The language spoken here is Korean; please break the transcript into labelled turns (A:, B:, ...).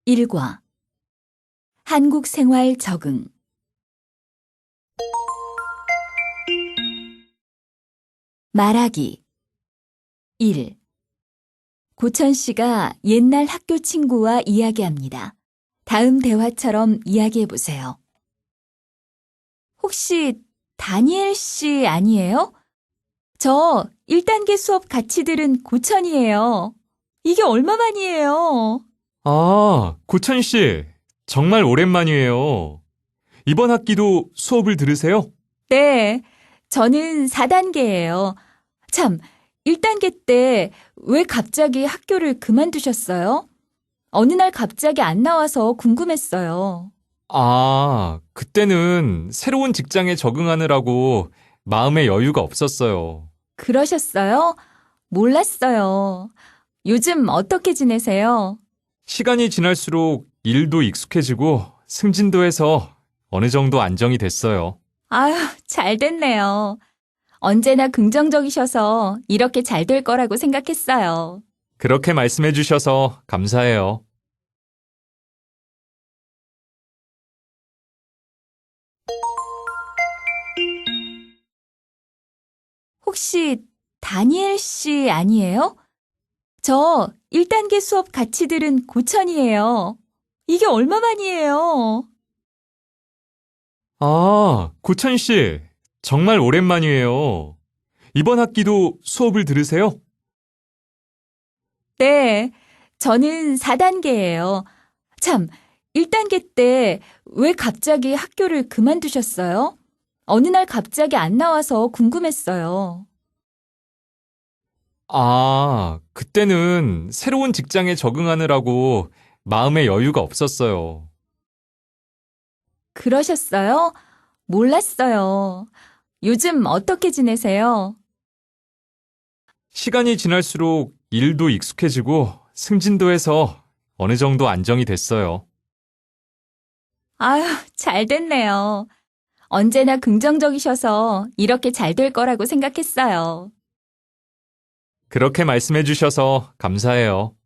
A: 1과 한국 생활 적응 말하기 1. 고천 씨가 옛날 학교 친구와 이야기합니다. 다음 대화처럼 이야기해 보세요. 혹시 다니엘 씨 아니에요? 저 1단계 수업 같이 들은 고천이에요. 이게 얼마만이에요?
B: 아, 고천 씨, 정말 오랜만이에요. 이번 학기도 수업을 들으세요?
A: 네, 저는 4단계예요. 참, 1단계 때 왜 갑자기 학교를 그만두셨어요? 어느 날 갑자기 안 나와서 궁금했어요.
B: 아, 그때는 새로운 직장에 적응하느라고 마음의 여유가 없었어요.
A: 그러셨어요? 몰랐어요. 요즘 어떻게 지내세요?
B: 시간이 지날수록 일도 익숙해지고 승진도 해서 어느 정도 안정이 됐어요.
A: 아휴, 잘 됐네요. 언제나 긍정적이셔서 이렇게 잘 될 거라고 생각했어요.
B: 그렇게 말씀해 주셔서 감사해요.
A: 혹시 다니엘 씨 아니에요? 저 1단계 수업 같이 들은 고천이에요. 이게 얼마만이에요?
B: 아, 고천 씨, 정말 오랜만이에요. 이번 학기도 수업을 들으세요?
A: 네, 저는 4단계예요. 참, 1단계 때 왜 갑자기 학교를 그만두셨어요? 어느 날 갑자기 안 나와서 궁금했어요.
B: 아, 그때는 새로운 직장에 적응하느라고 마음의 여유가 없었어요.
A: 그러셨어요? 몰랐어요. 요즘 어떻게 지내세요?
B: 시간이 지날수록 일도 익숙해지고 승진도 해서 어느 정도 안정이 됐어요.
A: 아휴, 잘 됐네요. 언제나 긍정적이셔서 이렇게 잘 될 거라고 생각했어요.
B: 그렇게 말씀해 주셔서 감사해요.